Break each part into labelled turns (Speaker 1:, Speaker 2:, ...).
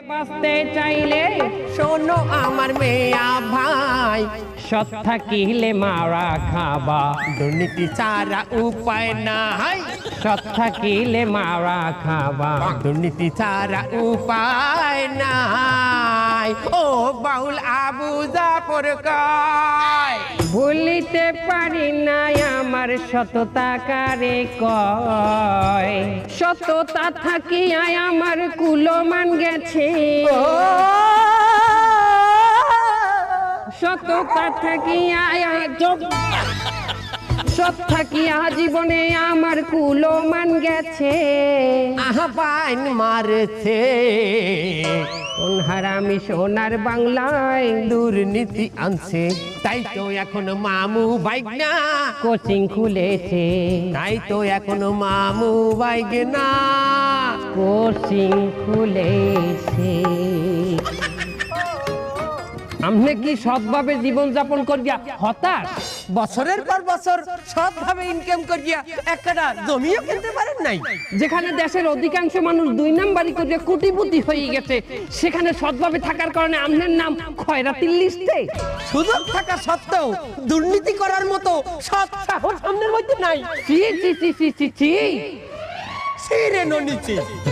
Speaker 1: বাঁচতে চাইলে
Speaker 2: শোনো আমার মেয়া ভাই,
Speaker 1: সৎ থাকিলে মারা খাবা,
Speaker 2: দুর্নীতি ছাড়া উপায় নাই।
Speaker 1: সৎ থাকিলে মারা খাবা,
Speaker 2: দুর্নীতি ছাড়া উপায় নাই। ও বাউল আবু জাফর কয়,
Speaker 1: ভুলিতে পারি না আমার সততা কারে কয়, সততা থাকিয়া আমার কুলমান গেছে, সততা থাকিয়া সৎ থাকিয়া জীবনে আমার কুলমান গেছে,
Speaker 2: আহ্বান মারছে
Speaker 1: কোন হারামি সোনার বাংলায়
Speaker 2: দুর্নীতি আনছে। তাই তো এখন মামু বাইক না,
Speaker 1: কোচিং খুলেছে,
Speaker 2: তাই তো এখন মামু বাইক না।
Speaker 1: কোচিং খুলেছে। আপনি কি সৎভাবে জীবন যাপন করিয়া হতাশ?
Speaker 2: বছরের পর বছর সৎভাবে ইনকাম করিয়া একটা জমিও কিনতে পারেন নাই।
Speaker 1: যেখানে দেশের অধিকাংশ মানুষ 2 নাম্বারি করিয়া কোটিপতি হয়ে গেছে, সেখানে সৎভাবে থাকার কারণে আপনার নাম খয়রাতির লিস্টে।
Speaker 2: সুযোগ থাকা সত্ত্বেও দুর্নীতি করার মতো সৎ সাহস সামনের মধ্যে নাই।
Speaker 1: চি চি চি চি চি চি।
Speaker 2: ছিঁড়ে নিচে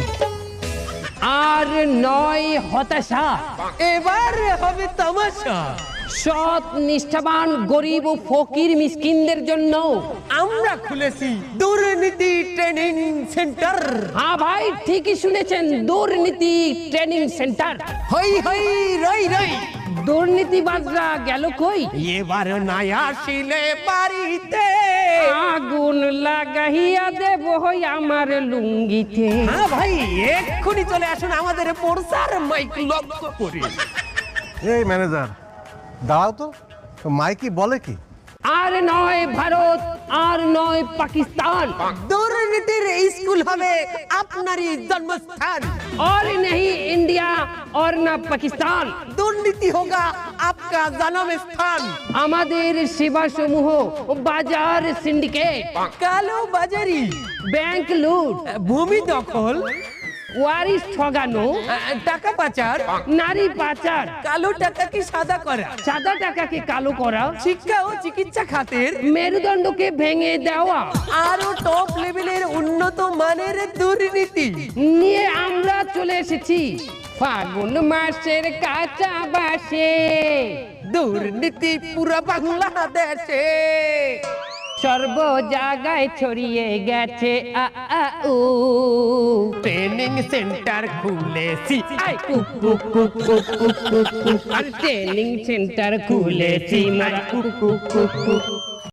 Speaker 1: আর নয় হতাশা,
Speaker 2: এবার হবে তামাশা।
Speaker 1: সৎ নিষ্ঠাবান গরিব ও ফকির মিসকিনদের জন্য
Speaker 2: আমরা খুলেছি দুর্নীতি ট্রেনিং সেন্টার।
Speaker 1: হ্যাঁ ভাই, ঠিকই শুনেছেন, দুর্নীতি ট্রেনিং সেন্টার।
Speaker 2: হই হই রই রই,
Speaker 1: দুর্নীতিবাজরা গেল কই?
Speaker 2: এবার নাই আসিলে বাড়িতে
Speaker 1: আগুন লাগাইয়া দেব হই আমার লুঙ্গিতে।
Speaker 2: হ্যাঁ ভাই, এক্ষুনি চলে আসুন আমাদের প্রচার মাইক লক্ষ্য করে।
Speaker 3: এই ম্যানেজার দাঁড়াও তো, মাইকি বলে কি?
Speaker 1: আর নয় ভারত, আর নয় পাকিস্তান,
Speaker 2: দুর্নীতির স্কুল হবে আপনারই জন্মস্থান।
Speaker 1: और नहीं इंडिया और ना পাকিস্তান,
Speaker 2: দুর্নীতি হোগা আপকা জন্ম স্থান।
Speaker 1: আমাদের সেবা সমূহ বাজার সিন্ডিকেট,
Speaker 2: কালো বাজারি,
Speaker 1: ব্যাংক লুট,
Speaker 2: ভূমি দখল,
Speaker 1: ওয়ারিশ ঠগানো,
Speaker 2: টাকা পাচার,
Speaker 1: নারী পাচার,
Speaker 2: কালো টাকাকে সাদা করা,
Speaker 1: সাদা টাকাকে কালো করা,
Speaker 2: শিক্ষা ও চিকিৎসা খাতের
Speaker 1: মেরুদণ্ডকে ভেঙে দেওয়া
Speaker 2: আরো টপ লেভেলের উন্নত মানের দুর্নীতি
Speaker 1: নিয়ে আমরা চলে এসেছি ফাগুন মাসের কাঁচা বাসে।
Speaker 2: দুর্নীতি পুরো বাংলাদেশে
Speaker 1: সর্ব জায়গায় ছড়িয়ে গেছে আ আ উ,
Speaker 2: ট্রেনিং সেন্টার খুলেছি।
Speaker 1: আই কু কু কু কু কু কু কু, আর ট্রেনিং সেন্টার খুলেছি মারা কু কু কু কু।